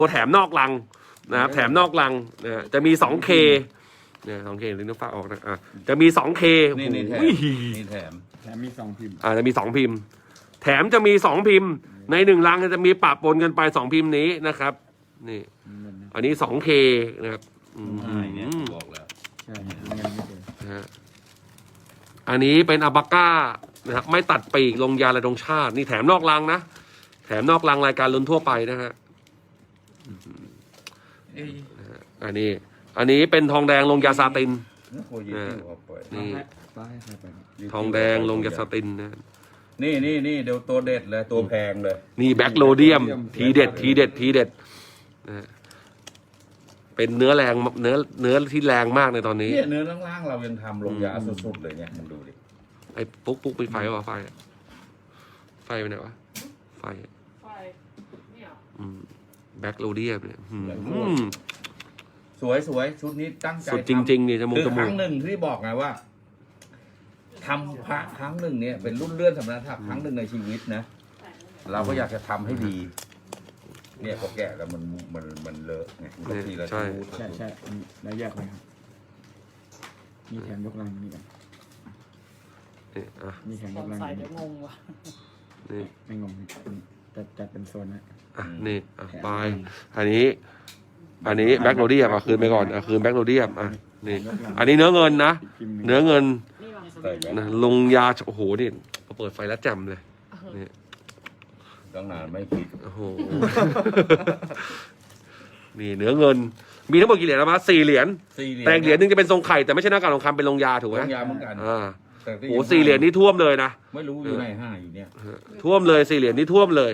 แถมนอกรังนะครับแถมนอกรังนะจะมี 2K เนี่ย 2K ลิ้นฟ้าออกนะจะมี 2K นี่แถมอุ้ยนี่แถมมี2 พิมพ์จะมี2 พิมพ์ แถมจะมี 2 พิมพ์ ใน1รังจะมีปะปนกันไป2 พิมพ์นี้นะครับนี่อันนี้ 2K นะครับเนี่ยบอกแล้วใช่เงินไม่เจอนะฮะอันนี้เป็นอัลปาก้านะครับไม่ตัดปีกลงยาระดงชาตินี่แถมนอกรังนะแถมนอกรังรายการลุ้นทั่วไปนะฮะอันนี้เป็นทองแดงลงยาซาตินนี่ทองแดงลงยาซาตินนะนี่เดี๋ยวตัวเด็ดเลยตัวแพงเลยนี่แบ็คโลเดียมทีเด็ดนะเป็นเนื้อแรงเนื้อที่แรงมากในตอนนี้เนี่ยเนื้อล่างๆเรายังทำลงยาสุดๆเลยเนี่ยมันดูดิไอ้ปุ๊กไปไฟวะไฟไปไหนวะไฟเนี่ยแบ็คโลเดียมเนี่ยสวยชุดนี้ตั้งใจสุดจริงๆนี่จมูกคือครั้งหนึ่งที่บอกไงว่าทำพระครั้งหนึ่งเนี่ยเป็นรุ่นเลื่อนสำนักครั้งหนึ่งในชีวิตนะเราก็อยากจะทำให้ดี เนี่ยพอแกะแล้วมันเลอะไงบางทีเราใช่แล้วแยกเลยครับมีแถมยกลังนี่กันมีแถมยกลังใส่เดี๋ยวงงว่ะนี่ไม่งงจัดเป็นโซนนะนี่ไปอันนี้แบ็คโลเดียมคืนไปก่อนคืนแบ็คโลเดียมนี่อันนี้เนื้อเงินนะเนื้อเงินนะลงยาโอ้โหนี่เปิดไฟแล้วแจ่มเลยนี่ตั้งนานไม่ผิดโอ้โห นี่เนื้อเงิน มีทั้งหมดกี่เหรียญนะมา4 เหรียญแต่เหรียญนึงจะเป็นทรงไข่แต่ไม่ใช่หน้ากากทองคำเป็นลงยาถูกไหมลงยาเหมือนกันโอ้4 เหรียญนี่ท่วมเลยนะไม่รู้อยู่ใน5อยู่เนี่ยท่วมเลย4 เหรียญนี่ท่วมเลย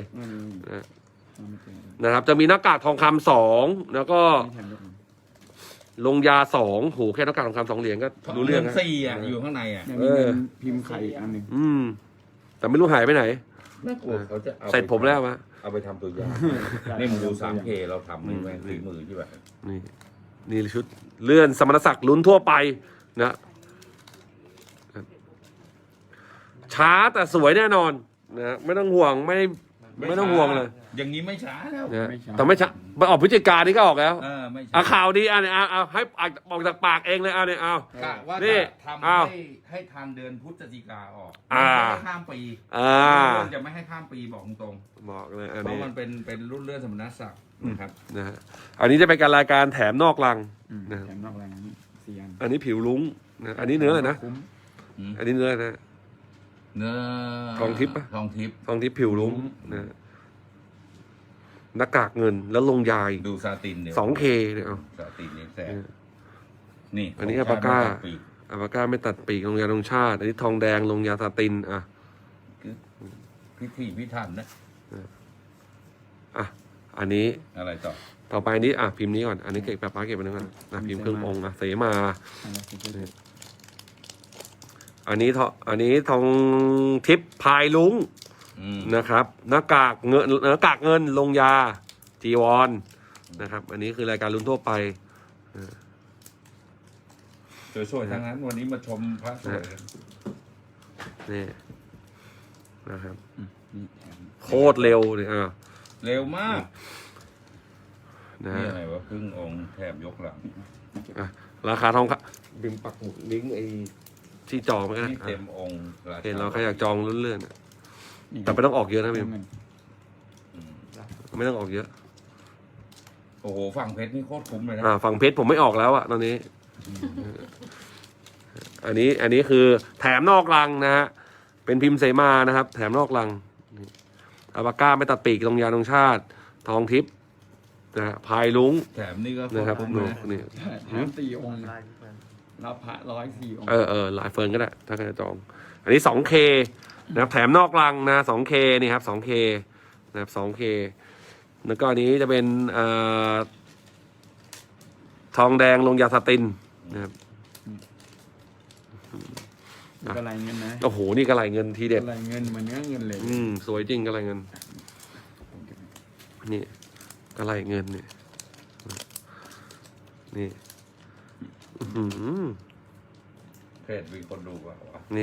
นะครับจะมีหน้ากากทองคำ2แล้วก็ลงยา2โหแค่หน้ากากทองคำ2 เหรียญก็รู้เรื่องนะ 4อยู่ข้างในมีเงินพิมพ์ไข่อีกอันหนึ่งแต่ไม่รู้หายไปไหนน่ากลัวเขาจะเอาเสร็จผมแล้วมาเอาไปทำตัวยานี่มึงดู 3K เราทำแม่งฝีมือที่แบบนี่ชุดเลื่อนสมณศักดิ์ลุ้นทั่วไปนะช้าแต่สวยแน่นอนนะไม่ต้องห่วงไม่ต้องห่วงเลยอย่างนี้ไม่ช้าแล้วนะแต่ไม่ช้าไปออกพฤศจิกานี่ก็ออกแล้วไม่ช้าข่าวดีเนี่ยเอาให้ออกจากปากเองเลยเนี่ยเอากะว่านี่จะทำให้ทันเดือนพฤศจิกาออกไม่ให้ข้ามปีจะไม่ให้ข้ามปีบอกตรงบอกเลยอันเพราะนี้มันเป็นรุ่นเลื่อนสมณศักดิ์นะครับนะฮะอันนี้จะเป็นการรายการแถมนอกรังนะแถมนอกลัง4 อันอันนี้ผิวลุ้งนะอันนี้เนื้ออะไรนะอันนี้เนื้อนะเนื้อทองทิพย์ปะทองทิพย์ทองทิพย์ผิวลุ้งนะหน้ากากเงินแล้วลงยายดูซาตินเนี่ย 2K เนี่ยเอาซาตินนี่แสบนี่อันนี้อัลปาก้าไม่ตัดปีกลงยาลงชาติอันนี้ทองแดงลงยาซาตินพิธีพิถันนะอันนี้อะไรต่อไปนี้พิมพ์นี้ก่อนอันนี้เก็บป้าเก็บไปนึงก่อนพิมพ์เครื่ององค์เสมาอันนี้ทองทิพย์พายลุงนะครับหน้ากากเงินลงยาจีวรนะครับอันนี้คือรายการลุ้นทั่วไปสวยๆทั้งนั้นวันนี้มาชมพระสวยนี่นะครับโคตรเร็วเลยเร็วมากนะนี่อะไรวะครึ่งองค์แถบยกหลังราคาทองบิมปักหมุดลิงก์ไอ้ที่จองไว้นะนี่เต็มองค์เห็นเราใครอยากจองเลื่อนๆแต่ไม่ต้องออกเยอะนะบิมไม่ต้องออกเยอะโอ้โหฝั่งเพชรนี่โคตรคุ้มเลยนะฝั่งเพชรผมไม่ออกแล้วตอนนี้ อันนี้คือแถมนอกรังนะฮะเป็นพิมพ์เสมานะครับแถมนอกรังอัลปาก้าไม่ตัดปีกลงยาลงชาติทองทิพย์นะพายลุงแถมนี่ก็โคนะตครัรบคุ้มเลยนี่แถม4 องค์รับพระ104 องค์หลายเฟิร์นก็ได้ถ้าใครจะจอง อันนี้ 2K นะครับแถมนอกรังนะ 2K นี่ครับ 2K นะครับ 2K แล้วก็อันนี้จะเป็นทองแดงลงยาซาตินนะครับกระไรเงินนะโอ้โหนี่กระไรเงินทีเด็ดกระไรเงินเหมือนเนื้อเงินเลยสวยจริงกระไรเงินนี่กระไรเงินนี่เพจมีคนดูป่ะนี่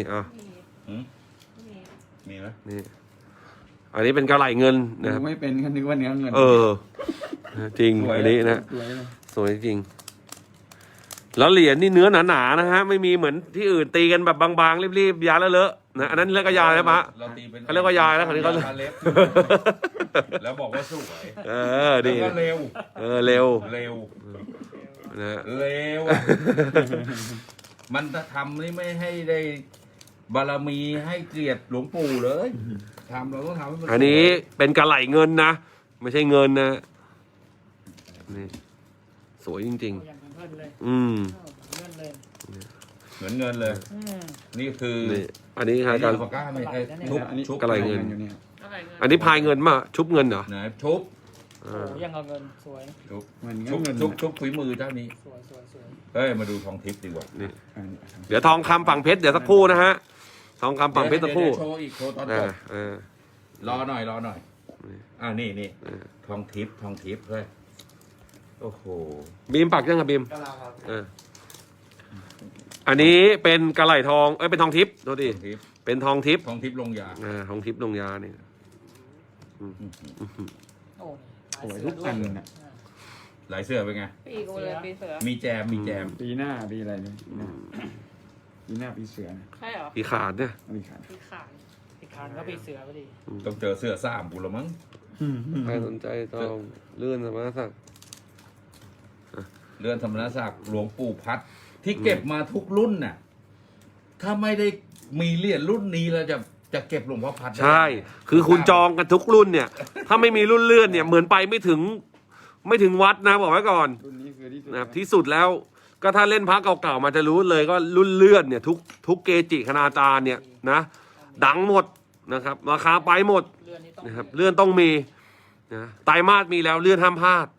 มีไหมนี่อันนี้เป็นกระไรเงินนะครับไม่เป็นก็นึกว่าเนื้อเงินจริงสวยอันนี้นะสวยเลยสวยจริง แล้วเหรียญนี่เนื้อหนาๆนะฮะ ไม่มีเหมือนที่อื่นตีกันแบบบางๆรีบๆยาเลอะๆนะอันนั้นเรียกว่ายาแล้วมะเราตีเป็นเขาเรียกว่ายาแล้วคราวนี้เขายเล็บแล้วบอกว่าสวยเออแล้วดีก็เร็วเร็วเร็วนะเร็วอะมันจะทำนี่ไม่ให้ได้บารมีให้เกียรติหลวงปู่เลยทำเราต้องทำให้มันอันนี้เป็นกระไหลเงินนะไม่ใช่เงินนะนี่สวยจริงอย่างเงินเลยๆ อืมเงินเลยเหมือนเงินเลยอืมนี่คือนี่อันนี้ฮะนี่การปากกาไม่ไอ้ชุบอันนี้ชุบกระไรเงินอยู่เนี่ยอะไรเงินอันนี้พายเงินมาชุบเงินเหรอไหนชุบโอ้ยังเอาเงินสวยชุบเหมือนชุบเงินชุบฝีมือเจ้านี้สวยสวยสวยเฮ้ยมาดูทองทิพย์ดีกว่านี่อันนี้เดี๋ยวทองคำฝั่งเพชรเดี๋ยวสักครู่นะฮะทองคำฝั่งเพชรสักครู่เดี๋ยวโชว์อีกโชว์ตอนจอ่าบอ่ารอหน่อยนี่นี่เออทองทิพย์เฮ้ยโอ้โหบีมปักยังครับบีมอันนี้เป็นกระไหลทองเป็นทองทิพย์โทษดีทองทิพย์เป็นทองทิพย์ทองทิพย์ลงยาทองทิพย์ลงยาเนี่ยโอ้สวยทุกอันน่ะหลายเสื้อเป็นไงปีกูเลยปีเสือมีแจมปีหน้าปีอะไรเนี่ยปีหน้าปีเสือนะใช่เหรอปีขาดเนี่ยปีขาดปีขานปีขานก็ปีเสือพอดีต้องเจอเสื้อซ้ำกูละมั้งใครสนใจต้องเลื่อนสมาสักเรือนธรรมนศักดิ์หลวงปู่พัดที่เก็บมาทุกรุ่นน่ะ ถ้าไม่ได้มีเหรียญรุ่นนี้แล้วจะเก็บหลวงพ่อพัดได้ใช่ คือคุณจองกันทุกรุ่นเนี่ย ถ้าไม่มีรุ่นเลื่อนเนี่ย เหมือนไปไม่ถึงวัดนะบอกไว้ก่อนรุ่นนี้คือที่สุดนะครับที่สุดแล้ว ก็ถ้าเล่นพระเก่าๆมาจะรู้เลยก็รุ่นเลื่อนเนี่ยทุกเกจิคณาจารย์เนี่ยนะดังหมดนะครับราคาไปหมดเรือนนี้ต้องนะครับเลื่อนต้องมีนะไตรมาสมีแล้วเลื่อนห้ามพลาด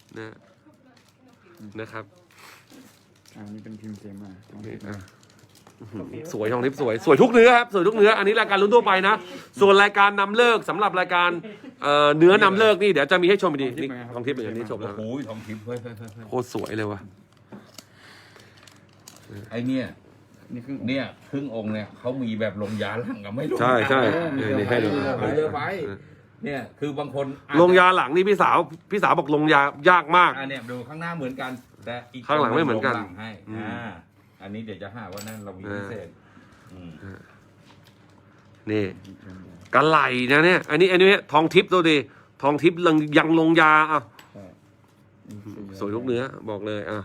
นะครับอันนี้เป็นพิมพ์เซมานี่อ่ะสวยทองทิพย์สวยทุกเนื้อครับสวยทุกเนื้ออันนี้รายการลุ้นทั่วไปนะส่วนรายการนำเลิกสำหรับรายการเนื้อนำเลิกนี่เดี๋ยวจะมีให้ชมอีกทีนี่ทองทิพย์อย่างนี้ชมโอ้แล้วโหทองทิพย์เฮ้ยโคตรสวยเลยว่ะไอเนี่ยนี่ครึ่งเนี่ยครึ่งองค์เนี่ยเขามีแบบลงยาหลังกับไม่ลงใช่ใช่ยานี่ให้ดูไปเลยไปเนี่ยคือบางคนอจจะลงยาหลังนี่พี่สาวบอกลงยายากมากเนี่ยดูข้างหน้าเหมือนกัน แต่อีกข้างหลังไม่เหมือนกันลงหลังให้อันนี้เดี๋ยวจะหาว่านั่นเรามีพิเศษอืมนี่กระไหลนะเนี่ย อันนี้ทองทิพย์ตัวดีทองทิพย์ยังลงยาอ่ะใช่สวยทุกเนื้อบอกเลยอ่ะ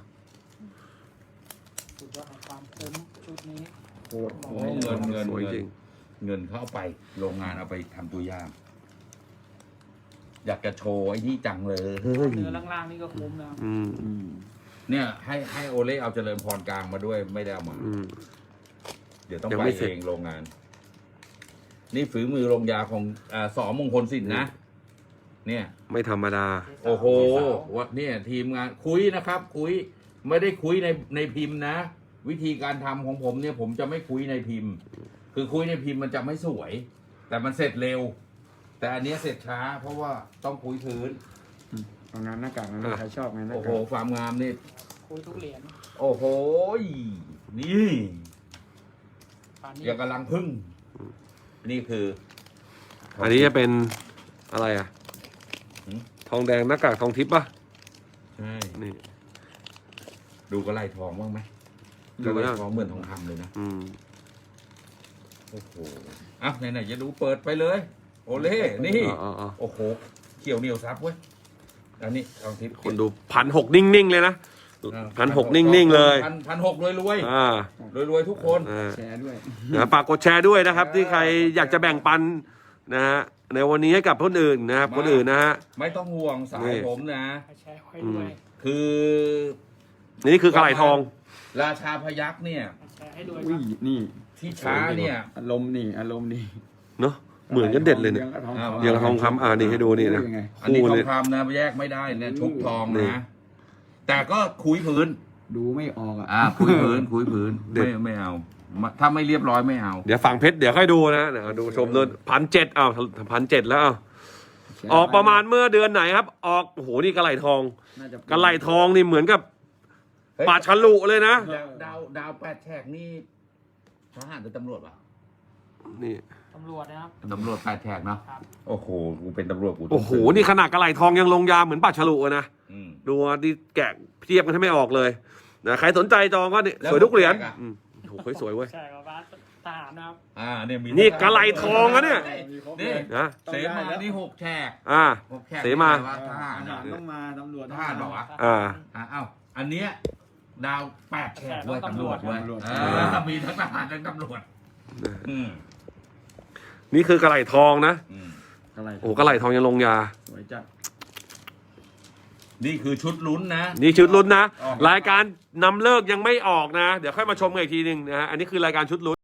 สุดยอดของความคุ้มชุดนี้โคตรโอ้เงินสวยจริงเงินเขาเอาไปโรงงานเอาไปทำตัวอย่าง อยากจะโชว์ไอ้นี่จังเลยเนื้อล่างๆนี่ก็คุ้มนะอืมอืมเนี่ยให้โอเล่เอาเจริญพรกลางมาด้วยไม่ได้เอามาอืมเดี๋ยวต้องยังไปไม่เสร็จเองโรงงาน นี่ฝีมือโรงยาของสอมงคลสินนะ เนี่ยไม่ธรรมดาโอ้โหวัดเนี่ยทีมงานคุยนะครับ คุยไม่ได้คุยในพิมพ์นะ วิธีการทำของผมเนี่ย ผมจะไม่คุยในพิมพ์ คือคุยในพิมพ์มันจะไม่สวย แต่มันเสร็จเร็ว แต่อันเนี้ยเสร็จช้า เพราะว่าต้องคุยพื้นเอางานหน้ากากนะใครชอบงานหน้าโอ้โหกากความงามนี่คุยทุกเหรียญโอ้โหนี่ปานนี้อย่างกำลังพึ่ง นี่คืออันนี้จะเป็นอะไรอ่ะหืมทองแดงหน้ากากทองทิพย์ป่ะใช่นี่ดูกระไรทองบ้างไหมดูกระไรแล้วทองเหมือนทองคำเลยนะอืมโอ้โหอ่ะไหนๆจะดูเปิดไปเลย โอเล่นี่อ๋อโอ้โห เขียวเหนียวซับเว้ย อันนี้ทองทิพย์คนดู1,600นิ่งๆเลยนะ1,600นิ่งๆเลย 1,600รวยอ่ารวยทุกคนอ่าแชร์ด้วยฝากกดแชร์ด้วยนะครับ ที่ใครอยากจะแบ่งปันนะฮะในวันนี้ให้กับคนอื่นนะครับคนอื่นนะฮะไม่ต้องห่วงสายนี่ผมนะแชร์ไว้ด้วยคือนี่คือกระไหลทองราชาพยัคฆ์เนี่ยแชร์ให้ด้วยอุ้ยนี่ที่ช้าเนี่ยอารมณ์นี่อารมณ์นี่เนาะเหมือนกันเด็ดเลยเนี่ย เดี๋ยวทองคำนี่ให้ดูนี่นะยังไงอันนี้คู่ทอเลงยคำนะแยกไม่ได้เนี่ยชุบทองนี่นะ แต่ก็คุยพื้นดูไม่ออกอ่ะคุยพื้นคุยพื้นเด็ดไม่เอา ถ้าไม่เรียบร้อยไม่เอาเดี๋ยวฝั่งเพชรเดี๋ยวค่อยดูนะเดี๋ยวดูชมเลย1,700อ้าว1,700แล้วอ้าวออกประมาณเมื่อเดือนไหนครับ ออกโอ้โหนี่กระไหลทองน่าจะกระไหลทองนี่เหมือนกับเฮ้ยป่าฉลุเลยนะดาวแปดแฉกนี่ทหารหรือตำรวจวะนี่ตตำรวจนะครับตำรวจ8 แฉกเนาะครับโอ้โหกูเป็นตำรวจกูต้งโอ้โหนี่ขนาดกระไหล่ทองยังลงยาเหมือนปัดฉลุอะนะอืมดูดิแกะเทียบกันให้ไม่ออกเลยนะใครสนใจจองก็นี่แล้วสวยทุกเหรียญแจกอะอืมโอ้โหสวยเว้ยใช่ครับบ้านทหารนะครับเนี่ยมีนี่กะไหล่ทองอะเนี่ยมีครบนี่เลยนะเสมานี่6 แฉกอ่า 6 แฉกเสมานี่แปลว่าทหารทหารต้องมาตำรวจทหารบอกว่าอ่าเอ้าอันเนี้ยดาว8 แฉกด้วยตำรวจด้วยตำรวจมีทั้งทหารทั้งตำรวจอืมนี่คือกระไหล่ทองนะอืมอะไรโอ้โหกระไหล่ทองยังลงยาสวยจัดนี่คือชุดลุ้นนะนี่ชุดลุ้นนะออกรายการนำเลิกยังไม่ออกนะ เดี๋ยวค่อยมาชมกันอีกทีหนึ่งนะฮะอันนี้คือรายการชุดลุ้น